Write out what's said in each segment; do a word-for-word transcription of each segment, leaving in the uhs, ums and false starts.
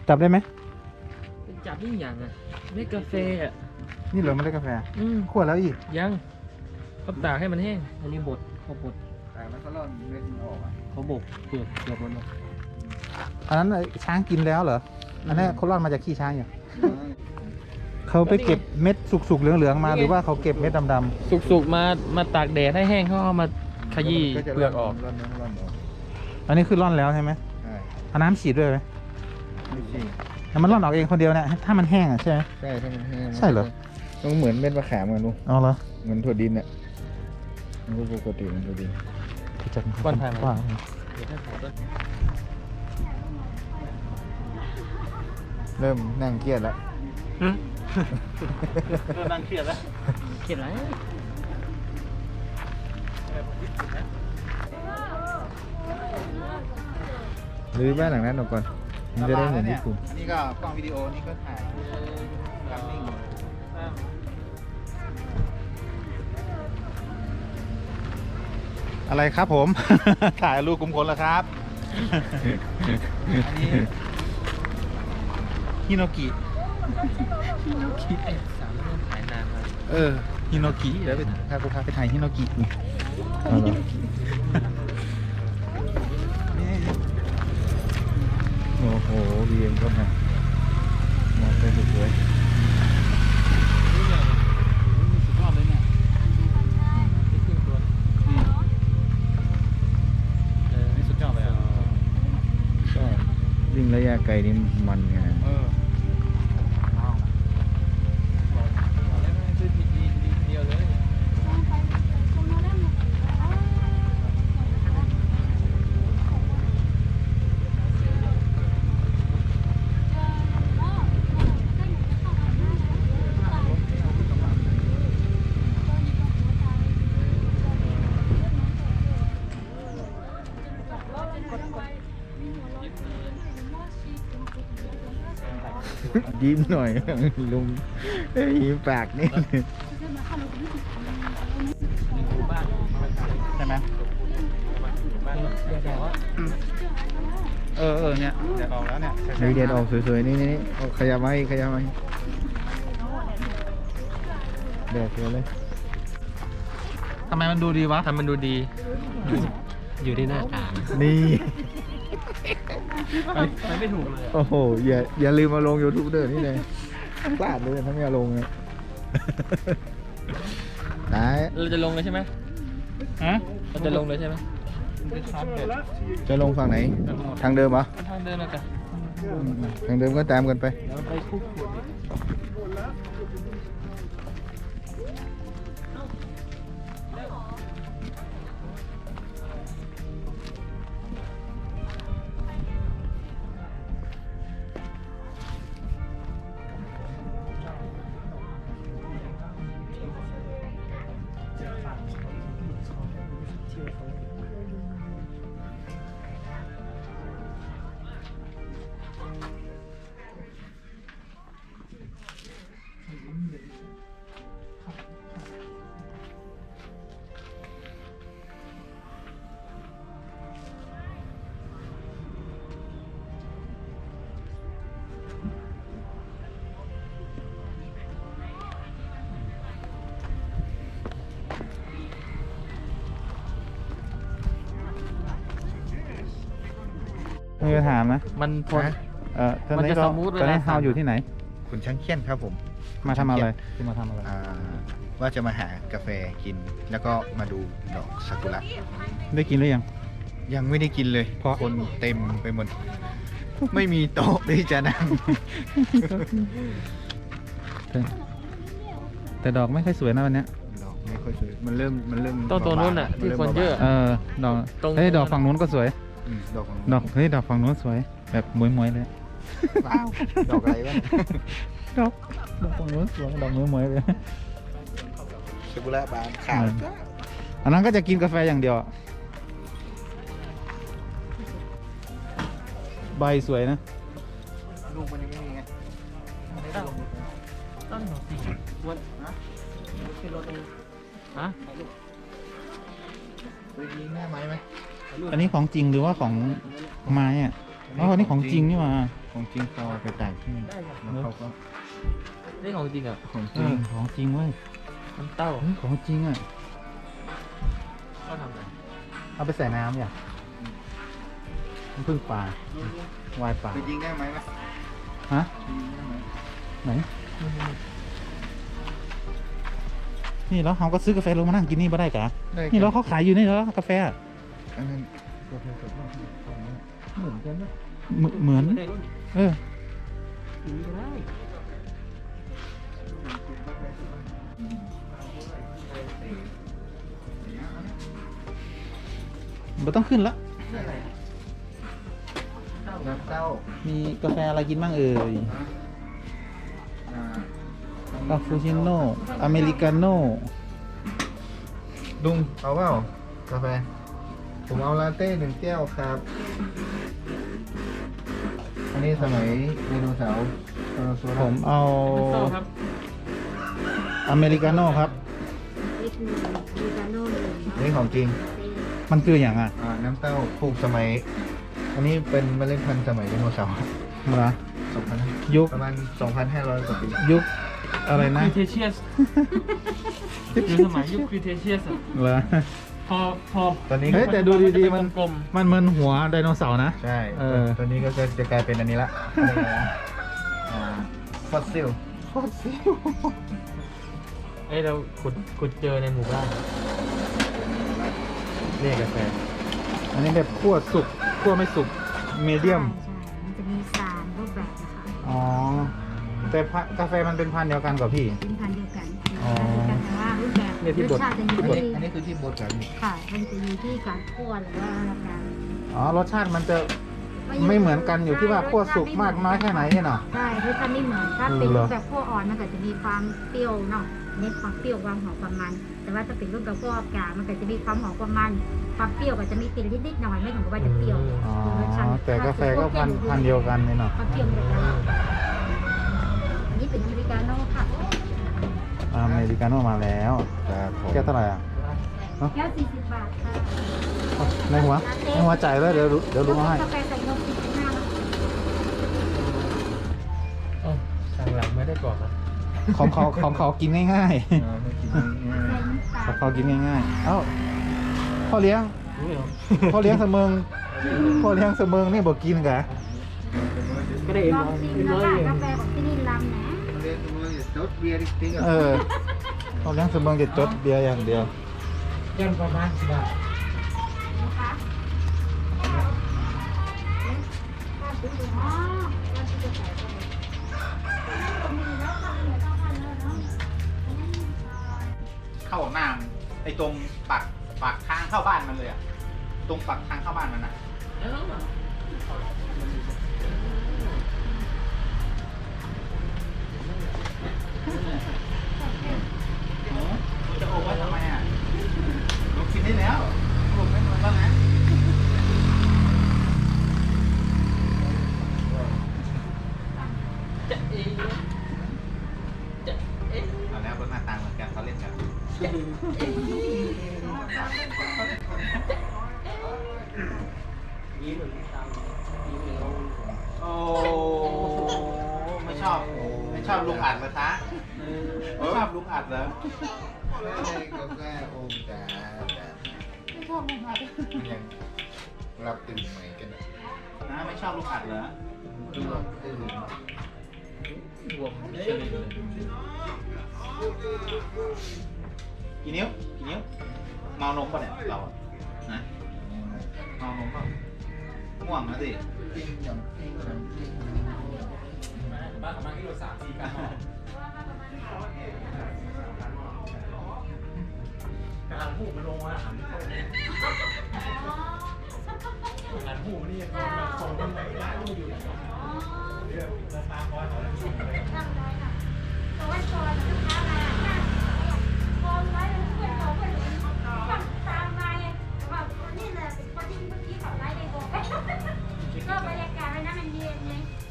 จับได้ไหมจับนี่อย่างอ่ะเม็ดกาแฟอ่ะนี่เหรอไม่ได้กาแฟอืมขวดแล้วอีกยังเขาตากให้มันแห้งอันนี้บดเขาบดแต่มันก็ร่อนเม็ดมันออกอ่ะเขาบกเปลือกเปลือกมันออกอันนั้นช้างกินแล้วเหรออันนี้เขาร่อนมาจากขี้ช้างอยู่เขาไปเก็บเม็ดสุกๆเหลืองๆมาหรือว่าเขาเก็บเม็ดดำๆสุกๆมามาตากแดดให้แห้งเขาเอามาขยี้เปลือกออกร่อนร่อนร่อนออกอันนี้คือร่อนแล้วใช่ไหมใช่เอาน้ำฉีดด้วยไหมไม่ใช่แต่มันร่อนออกเองคนเดียวเนี่ยถ้ามันแห้งอ่ะใช่ไหมใช่ถ้ามันแห้งใช่เหรอต้องเหมือนเม็ดมะขามกันลูกอ๋อเหรอเหมือนถั่วดินอ่ะมันก็ปกติเหมือนถั่วดินจัดก้อนทางว่าเริ่มนั่งเครียดแล้วเริ่มนั่งเครียดแล้วเครียดอะไรหรือบ้านหลังนั้นออกก่อนมันจะได้เหมือนญี่ปุ่นอันนี้ก็กล้องวิดีโอนี่ก็ถ่ายกำนิ่งอะไรครับผม ถ่ายรูปกลุ่มคนแล้วครับ อันนี้ฮิโนกิฮิโนกิสามเรื่องขายนานมากเออฮิโนกิแล้วไปพากูพาไปถ่ายฮิโนกินี่เอาเหรอโอ้โหเรียงก็มามองไปสวยสุดยอดเลยเนี่ยนี่ครึ่งตัวนี่เออนี่สุดยอดเลยอ่ะๆก็วิ่งระยะไกลนี่มันไงเออบอกแล้วไม่ซื้อทีดีดีเดียวเลยยิ้มหน่อย ลุงเอ้ยยิ้มปากนี่บ้านใช่ไหมบ้านเดี๋ยวบอกว่าเออเออเนี่ยเดี๋ยวออกแล้วเนี่ยเฮ้ยเดียนออกสวยๆนี่นี่นี่เอาขยับมาอีกขยับมาอีกแดดสวยเลยทำไมมันดูดีวะทำมันดูดี อยู่ที่หน้าตานี่ไปไปไม่ถูกเลยโอ้โหอย่าอย่าลืมมาลง YouTube เด้อนี่เลยพลาดเลยถ้าไม่เอาลงเนี่ยได้เราจะลงเลยใช่ไหมฮะเราจะลงเลยใช่ไหมจะลงฝั่งไหน ทางเดิมเหรอทางเดินมากันทางเดิมก็ตามกันไปเดี๋ยวไปคุกคุยมีคำถามนะมันพอฮะเออตอนมันนี้จะเราสมูทเวลาตอนนี้สั่เฮาน อยู่ที่ไหนคุณช่างเขี้ยนครับผมมาทำอะไรที่มาทำอะไรอ่าว่าจะมาหากาแฟกิน แล้วก็มาดูดอกซากุระได้กินหรือยังยังไม่ได้กินเลยเพราะคนเต็มไปหมด ไม่มีโต๊ะที่จะนั่งแต่แต่ดอกไม่ค่อยสวยนะวันเนี้ยดอกไม่ค่อยสวยมันเริ่มมันเริ่มต้นตัวนู้นน่ะมัที่ริ่มคนเยอะบาเออดอกตรงเฮ้ยดอกฝั่งนู้นก็สวยๆอืมดอกของดอกเฮ้ยดอกฝั่งนู้นสวย แบบมวยๆเลยว้าวดอกอะไรวะดอกดอกฝั่งนู้นสวยดอกมวยๆเลยซากุระบานขาวจ้าอันนั้นก็จะกินกาแฟอย่างเดียวอะใบสวยนะลูกมันยังไม่มีไงต้นหนสี่วันนะขึ้นรถเองฮะเคยยิงหน้าไม้ไหมอันนี้ของจริงหรือว่าของไม้อะอ๋ออันนี้ของจริงนี่หว่าของจริงเขาเอาไปต่างที่ได้ครับแล้วเขาก็นี่ของจริงอ่ะของจเอริงอของจริงเว้ยน้ำเต้าเฮ้ยของจริงอ่ะก็ทำอะไรเอาไปใส่น้ำอย่างน้ำผึ้งปลา วายปลาไปยิงได้ไหมล่ะฮะไปยิงได้ไหมไหน นี่แล้วเขาก็ซื้อกาแฟลงมานั่งกินนี่มาได้กะได้นี่แล้วเขาขายอยู่นี่แล้วกาแฟอะอันนั้นกาแฟสดมากเหมือนกันนะเหมือนเหมือนไม่ได้รุ่นเออสีก็ได้ไม่ต้องขึ้นละน้ำเต้ามีกาแฟอะไรกินบ้างเอ่ยอ่าคาปูชิโน่ อเมริกาโน่ลุงเอาเปล่ากาแฟ ผมเอาลาเต้หนึ่งแก้วครับ อันนี้สมัยไดโนเสาร์ไดโนเสาร์ผมเอาน้ำเต้าครับอเมริกาโน่ครับนี่คืออเมริกาโน่หนึ่งเนาะนี่ของจริงมันคืออย่างอ่ะอ่า น้ำเต้าปลูกสมัย อันนี้เป็นเมล็ดพันธุ์สมัยไดโนเสาร์เหรอสองพันยุคประมาณ สองพันห้าร้อย กว่าปียุคอะไรนะครีเทเชียสอยู่สมัยยุคครีเทเชียสอะเหรอพอพอตอนนี้เฮ้ยแต่ดูดีๆมันกลมมันเหมือนหัวไดโนเสาร์นะใช่เออตอนนี้ก็จะจะกลายเป็นอันนี้ละอะไรนะอ่าฟอสซิลๆเอ้ยเราขุดขุดเจอในหมู่บ้านนี่กาแฟอันนี้แบบคั่วสุกคั่วไม่สุกมีเดียมใช่ใช่มันจะมีสามรูปแบบนะคะอ๋อ แต่พะกาแฟมันเป็นพันธุ์เดียวกันกับพี่เป็นพันธุ์เดียวกันอ๋อแต่ว่ารูปแบบรสชาติจะอยู่อันนี้ที่อันนี้คือที่บดกันค่ะ มันจะอยู่ที่การคั่วหรือว่าการอ๋อ รสชาติมันจะไม่เหมือนกันอยู่ที่ว่าคั่วสุกมากน้อยแค่ไหนเนี่ยเนาะใช่รสชาติไม่เหมือน ถ้าเป็นเหรรูอปแบบคั่วอ่อนมันก็จะมีความเปรี้ยวเนาะเน้นความเปรี้ยวความหอมความมัน แต่ว่าถ้าเป็นรูปแบบคั่วกลางมันก็จะมีความหอมความมัน ความเปรี้ยวก็จะมีติดนิดๆหน่อยไม่ถึงกับว่าจะเปรี้ยวอ๋อคือรสชาติแต่กาแฟก็พันธุ์พันธุ์เดียวกันเนี่ยเนาะความเปรี้ยวเหมือนกันอันนี้เป็นอเมริกาโน่ค่ะอเมริกาโน่มาแล้วครับผมแก้วเท่าไหร่อ่ะแก้วสี่สิบบาทค่ะอ๋อในหัวในหัวจ่ายแล้วเดี๋ยวเดี๋ยวลุงเอาให้กาแฟใส่นมสี่สิบห้าเอ้าทางหลังไม่ได้ก่อนนะของเขาของเขากินง่ายอ่าไม่กินง่ายๆของเขากินง่ายๆ เอ้าพ่อเลี้ยงรู้เหรอพ่อเลี้ยงเสมิงพ่อเลี้ยงเสมิงนี่บอกกินกะก็ได้เอ็นลองร้อยชิมเอ็นนะร้อยคะเองกาแฟของที่นี่ลำนะๆเรียนรู้อย่าจดเบียร์ติ๊กๆเออ่ะอพ่อเลี้ยงเสมิงจะจดเบียร์อย่างเดียวยันประมาณสิบบาทนะคะอ๋อเราจะใส่เข้าไปตรงนี้แล้วค่ะเหนือต้องพันแล้วเนาะเข้าหน้าไอ้ตรงปากปากทางเข้าบ้านมันเลยอ่ะ ตรงปากทางเข้าบ้านมันอ่ะ จะโอบไว้ทำไมอ่ะลูกกินได้แล้วลูกไม่นอนแล้วนะเอาแล้วรถหน้าตางเหมือนกันเขาเล่นกันโอ้ไม่ชอบไม่ชอบลุงอัดเหรอคะไม่ชอบลุงอัดเหรอกาแฟโอ้จ้าไม่ชอบลุงอัดมันยังรับตื่นใหม่กันนะนะไม่ชอบลุงอัดเหรอรับตื่นรวมเฉลี่ยเลยกี่นิ้วกี่นิ้วเมานมป่ะเนี่ยเราอะนะเมานมป่ะง่วงนะสิปิ้งยำปิ้งยำปิ้งบ้านประมาณกิโลสามสี่กันกำลังหูมันลงมาหันหันหูมันนี่มันส่งมันไหนได้ก็อยู่เรื่องตาคอยเขาแล้วส่งเลยนั่งได้ค่ะแต่ว่าซอยลูกค้ามานั่งโอนไว้เพื่อนเขาเพื่อนเขาตามมาไงแต่ว่านี่แหละเป็นคนที่เมื่อกี้เขาไล่ในโบกก็บรรยากาศเลยนะมันเย็นเลย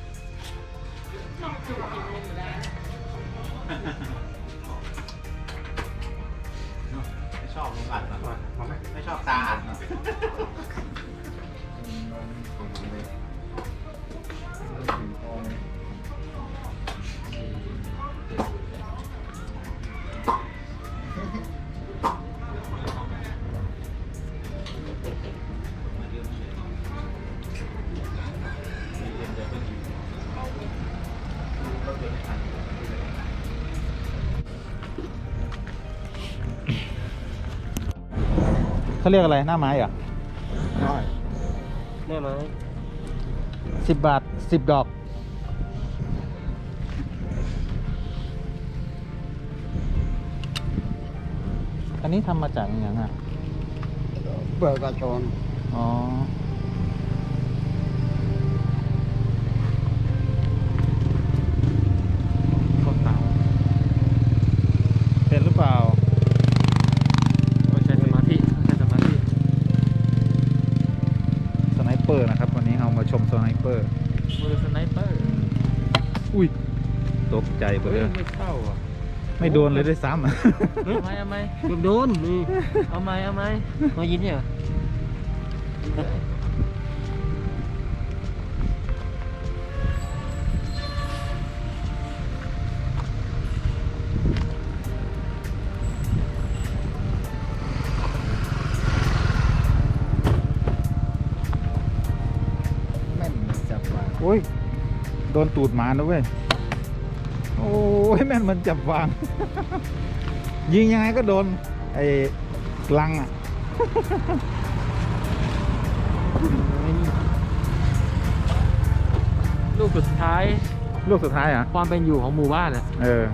ไม่ชอบลุงอัดเหรอไม่ชอบตาอัดเหรอเขาเรียกอะไรหน้าไม้เหรอแน่ไหมสิบบาทสิบดอก อันนี้ทำมาจากอย่างอ่ะเปิดกระชอนอ๋อข้าวเต่าเป็นหรือเปล่าต้องใช้สมาธิต้องใช้สมาธิสไนเปอร์นะครับ วันนี้เรามาชมสไนเปอร์มือสไนเปอร์อุ้ย ตกใจไปเฮ้เลย ยไม่เข้าอ่ะไม่โดนเลยด้วยซ้ำเอาไหมเอาไหมโดนนี่เอาไหมเอาไหมมายินเนี่ยแม่นจับวางโอ้ย โดนตูดหมานะเว้ย โอ้ย แม่นมันจับวาง ยิงยังไงก็โดน ไอ้ลังอ่ะลูกสุดท้ายลูกสุดท้ายเหรอ่ะความเป็นอยู่ของหมู่บ้านอ่ะเออ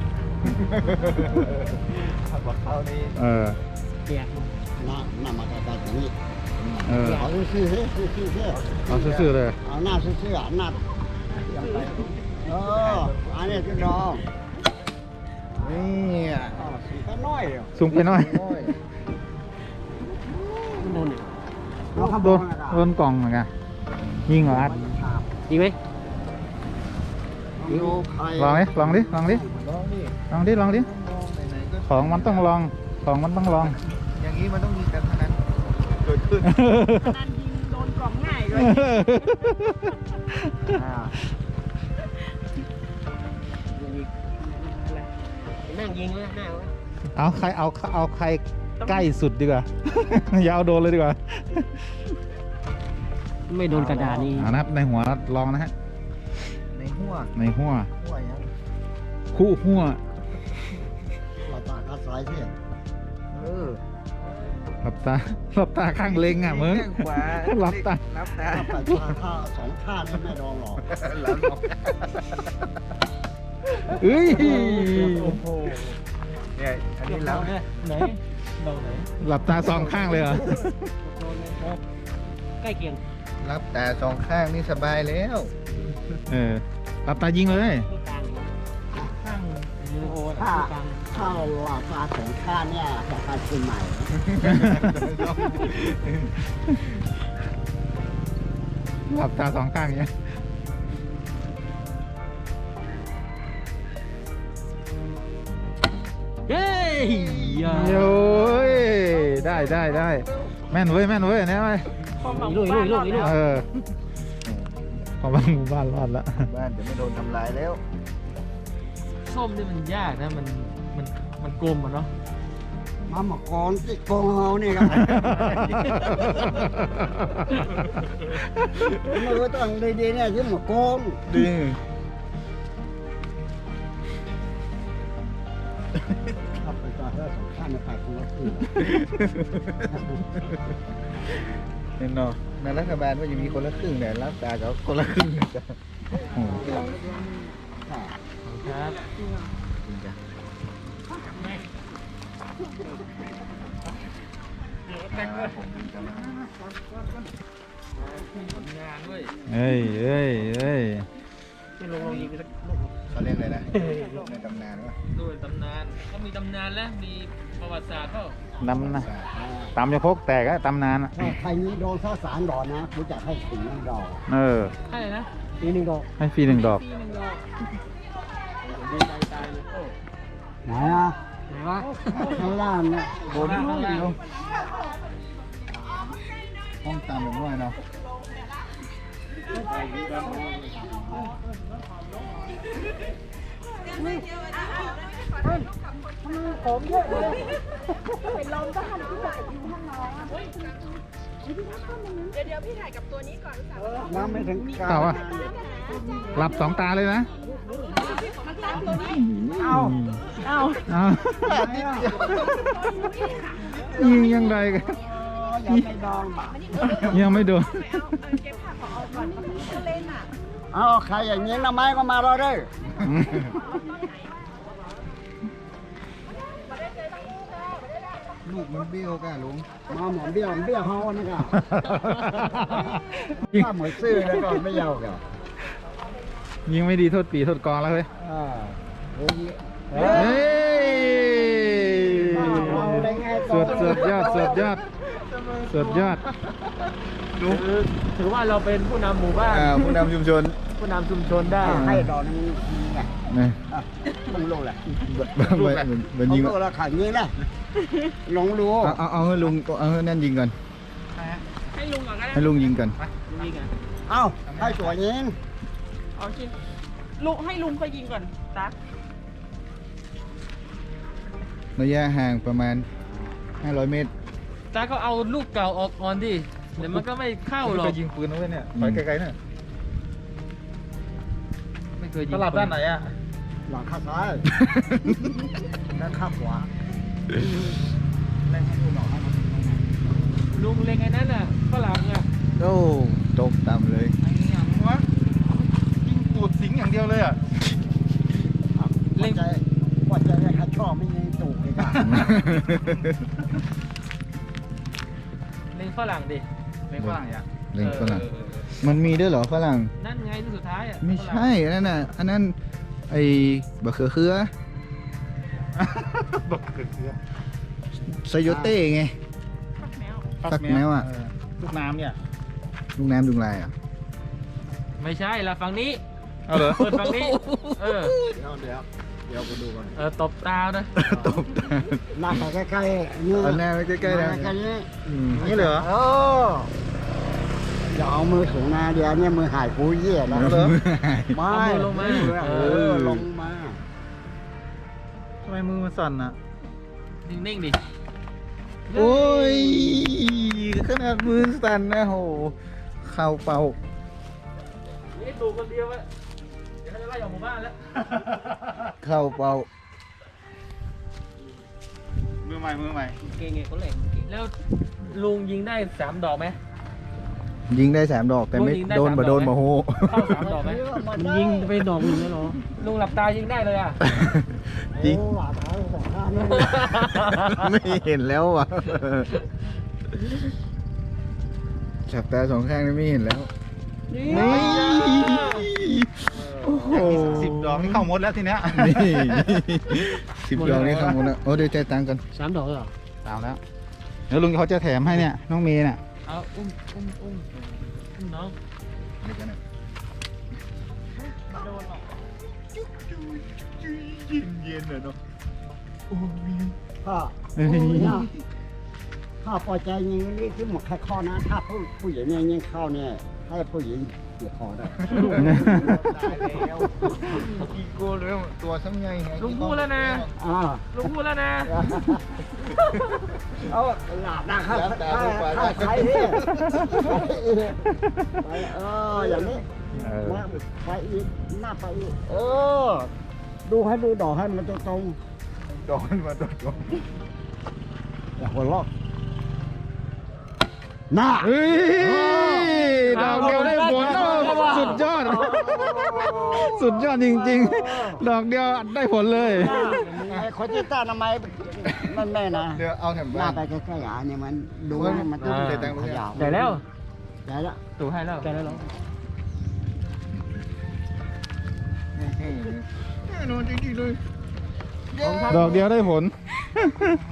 ขับรถเข้านี่เออเปียกหน้าหน้ามาตาตรงนี้เออเอาซื่อๆซื่อๆซื่อเอาซื่อๆเลยๆเอาหน้าซื่อๆอ่ะหน้าเอออันนี้คือดองนี่อ่ะอ๋อสีก็น้อยอ่ะสูงไปหน่อยโอ้ยโดนเนี่ยเอาข้างบโดนนนะคโดนกล่องเหมือนกันยิงเหรออัดจริงไหมโยไข่ลองดิลองดิลองดิลองดิลองดิลองดิมองไหนๆก็ของมันต้องลอง ของมันต้องลองอย่างนี้มันต้องมีการพนันเกิดขึ้นนันยิงโดนกล่องง่ายด้วยอ่านั่งยิงเลยหน้าเอาใครเอาเอาใครใกล้สุดดีกว่า อย่าเอาโดนเลยดีกว่าไม่โดนกระดาษนี่เอานะครับในหัวลองนะฮะในหัวในหัวหัวยังคู่หัวเราตากระสายเสียเออหลับตาหลับตาข้างเล็งอ่ะมึงข้างขวาหลับตาหลับตาถ้าไปข้าข้าสองข้างนี่ไม่ดองหรอกหลับหลับเอ้ยโอ้โหเนี่ยอันนี้หลับไหนโดนไหนหลับตาสองข้างเลยเหรอโดนเลยครับใกล้เคียงหลับตาสองข้างนี่สบายแล้วเออหลับตายิงเลยตัวกลางข้างมือโอ้ถ้าตัวกลางถ้าเราตาสองข้างเนี่ยจะการกินใหม่หลับตาสองข้างเนี้ยเฮ้ยอย่าโอ้ยได้ได้ได้แม่นเว้ยแม่นเว้ยเนี่ยเว้ยอีลูกอีลูกอีลูกอีลูกเออพอบางหมู่บ้านรอดละบ้านจะไม่โดนทำลายแล้วส้มนี่มันยากนะมันมันมันกลมอ่ะเนาะมาหมกรที่โกงเรานี่ครับมือต้องดีๆเนี่ยที่หมกกงดีถ้าไปตาถ้าสองข้างเนี่ยไปคนละครึ่งเห็นเนาะในรัฐบาลว่าจะมีคนละครึ่งเนี่ยรับตาเขาคนละครึ่งนะจ๊ะโอ้โหครับจริงจ้ะผลงานด้วยเอ้ยเอ้ยเอ้ยที่ลงลงยิงไปสักลูกเขาเรียกอะไรนะลูกในตำนานวะด้วยตำนานก็มีตำนานแล้วมีประวัติศาสตร์เปล่าตำนะตำจะพกแตกอะตำนานอะถ้าใครนี้โดนข้าวสารดอกนะรู้จักให้ถึงน้ำดอกเออใช่นะปีหนึ่งดอกให้ฟรีหนึ่งดอกปีหนึ่งดอกดีใจตายเลยโอ้ไหนอ่ะไหนวะข้างล่างเนี่ยบนข้างล่างห้องตามแบบว่าเนาะเป็นลมก็หันที่ไหนอยู่ข้างน้องเดี๋ยวเดี๋ยวพี่ถ่ายกับตัวนี้ก่อนสาวน้ำไม่ถึงกลางเปล่าอะ หลับสองตาเลยนะมันตามตัวนี้เอาเอาเอายิงยังไงกันเยังไม่ดองบ่ายังไม่โดนเอาใครอย่างนี้นะไม้ก็มารอเลยลูกมันเบี้ยวกันลุงมาหมอนเบี้ยวเบี้ยวเขานี่ก็ถ้าหมวยซื่อแล้วก็ไม่ยาวก็ยิงไม่ดีโทษปีโทษกองแล้วเฮ้ยอ่าเฮ้ยเฮ้ยสุดสุดยอดสุดยอดสุดยอดคือถือว่าเราเป็นผู้นำหมู่บ้านอ่าผู้นำชุมชนผู้นำชุมชนได้ให้ดอกนึงไงนะมึงรู้แหละเหมือนเหมือนยิงเขารู้แล้วขังนี้นะลงรู้เอาเอาเอาให้ลุงเอาให้นั่นยิงก่อนให้ลุงก่อนก็ได้ให้ลุงยิงก่อนยิงอ่ะเอ้าให้ตัวยิงเอากินลุงให้ลุงไปยิงก่อนตั๊กระยะห่างประมาณห้าร้อยเมตรตาก็เอาลูกเก่าออกก่อนดิเดี๋ยวมันก็ไม่เข้าหรอกไปยิงปืนนะเว้ยเนี่ยไปไกลๆเนี่ยไม่เคยยิงตลับด้านไหนอ่ะหลังข้างซ้ายด้านข้างขวาลุงเล็งไอ้นั่นน่ะฝรั่งอ่ะโอ้ตกต่ำเลยไอ้ยังวะยิงตูดสิงอย่างเดียวเลยอ่ะเล่นใจว่าใจให้ข้าชอบไม่ยิงตูกเลยกันเล็งฝรั่งดิเล็งฝรั่งอ่ะเล่นฝรั่งเออเออเออมันมีด้วยเหรอฝรั่งนั่นไงที่สุดท้ายอ่ะไม่ใช่อันนั้นน่ะอันนั้นไอ้บะเขือเขือบักเขือเขือไซโยเต้ไงฟักแมวฟักแมวอะเลูกน้ำเนี่ยลูกน้ำลุงลายอ่ะไม่ใช่ละฝั่งนี้เอาเหรอเปิดฝั่งนี้เออเดี๋ยวเดี๋ยวเดี๋ยวไปดูก่อนเออตบตานะตบตาหน้าไปใกล้ๆนี่เอาหน้าไปใกล้ๆนะใกล้ๆนี้อืมนี่เลยเหรอเอออย่าเอามือถูหน้าเดี๋ยวเนี่ยมือหายกูเยี่ยแล้วเหรอไม่เอามือลงมาเออลงมาทำไมมือมันสั่นอ่ะนิ่งๆดิโอ้ยขนาดมือสั่นนะโหเข่าเป่านี่ตูคนเดียวอะเดี๋ยวเขาจะไล่ออกหมู่บ้านแล้วเข่าเป่ามือใหม่มือใหม่เก่งไงคนเหล็กแล้วลุงยิงได้สามดอกไหมยิงได้สามดอกแต่ไม่ยิงได้โดนสามบ่โดนดอกไหมบ่โหเข้าสามดอกไหมยิงไปดอกหนึ่งแล้วเหรอลุงหลับตายิงได้เลยอ่ะยิงโอ้หลาตาสองข้างนี่ไม่เห็นแล้วอ่ะจับตาสองข้างนี่ไม่เห็นแล้ว นี่ โอ้โหสิบดอกนี่เข้าหมดแล้วทีเนี้ยนี่สิบดอกนี่ทำหมดแล้วโอ้เดี๋ยวใจายตังค์กันสามดอกเหรอตามแล้วเดี๋ยวลุงเขาจะแถมให้เนี่ยน้องเมย์เนี่ยเอาอุ้มอุ้มอุ้มอุ้มน้องเย็นเลยเนาะพ่อเฮ้ยเนี่ยถ้าพอใจยิงนี่ที่หมดแค่ข้อนะ ถ้าผู้ผู้หญิงเนี่ยยิงเข้าเนี่ยให้ผู้หญิงเสียคอได้ได้แล้วกี่โกเลยตัวซ้ำไงลุงพูดแล้วนะอ่าลุงพูดแล้วนะเอาหลาบนะครับถ้าใครเนี่ยไปเอออย่างนี้เออมาไปอีกหน้าไปอีกเออ ดูให้ดูดอกให้มันตรงโดนมาโดนๆอย่าหัวเราะหน้าเฮ้ยดอกเดียวได้ผลโอ้สุดยอด สุดยอดจริงๆ ดอกเดียวได้ผลเลยไอ้คนที่ต้านทำไมมันแม่นะเดี๋ยวเอาแถมหบ้าน้าน ไปใกล้ๆอ่ะเนี่ยมันดูให้มันต้องอ่าเสียตังค์ยาวได้แล้วได้แล้วตู่ให้แล้วได้แล้วเหรอแน่นอนจริงๆเลยดอกเดียวได้ผล